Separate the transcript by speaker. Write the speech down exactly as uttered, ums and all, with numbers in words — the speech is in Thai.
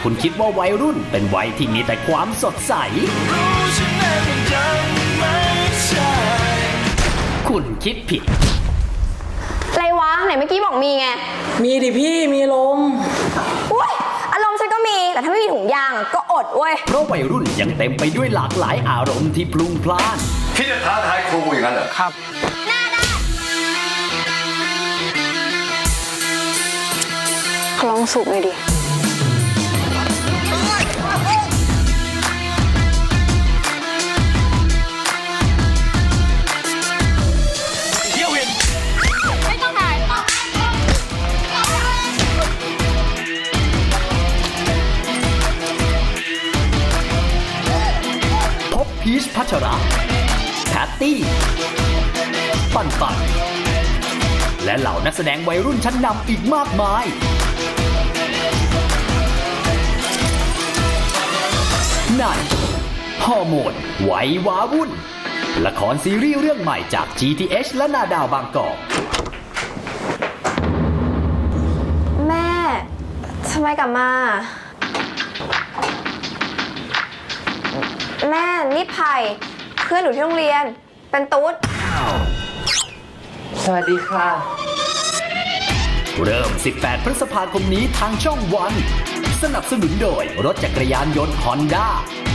Speaker 1: คุณคิดว่าวัยรุ่นเป็นวัยที่มีแต่ความสดใสคุณคิดผิด
Speaker 2: อะไรวะไหนเมื่อกี้บอกมีไง
Speaker 3: มีดิพี่มีลม
Speaker 2: อุ้ยอารมณ์ฉันก็มีแต่ถ้าไม่มีถุงยางก็อดเว้ย
Speaker 1: เพราะวัยรุ่นยังเต็มไปด้วยหลากหลายอารมณ์ที่พลุงพล่าน
Speaker 4: พี่จะท้าทายครูอย่างนั้นเหรอ
Speaker 3: ครับ
Speaker 2: หน้าด้านลองสูบเลยดิ
Speaker 1: พีชพัชระแพตตี้ปันปันและเหล่านักแสดงวัยรุ่นชั้นนำอีกมากมายในฮอร์โมนไหวว้าวุ่นละครซีรีส์เรื่องใหม่จาก จี ที เอช และนาดาวบางกอก
Speaker 2: แม่ทำไมกลับมาแม่นี่ไผ่เพื่อนหนูที่โรงเรียนเป็นตุ๊ด
Speaker 3: สวัสดีค่ะ
Speaker 1: เริ่มสิบแปดพฤษภาคมนี้ทางช่องวันสนับสนุนโดยรถจักรยานยนต์ Honda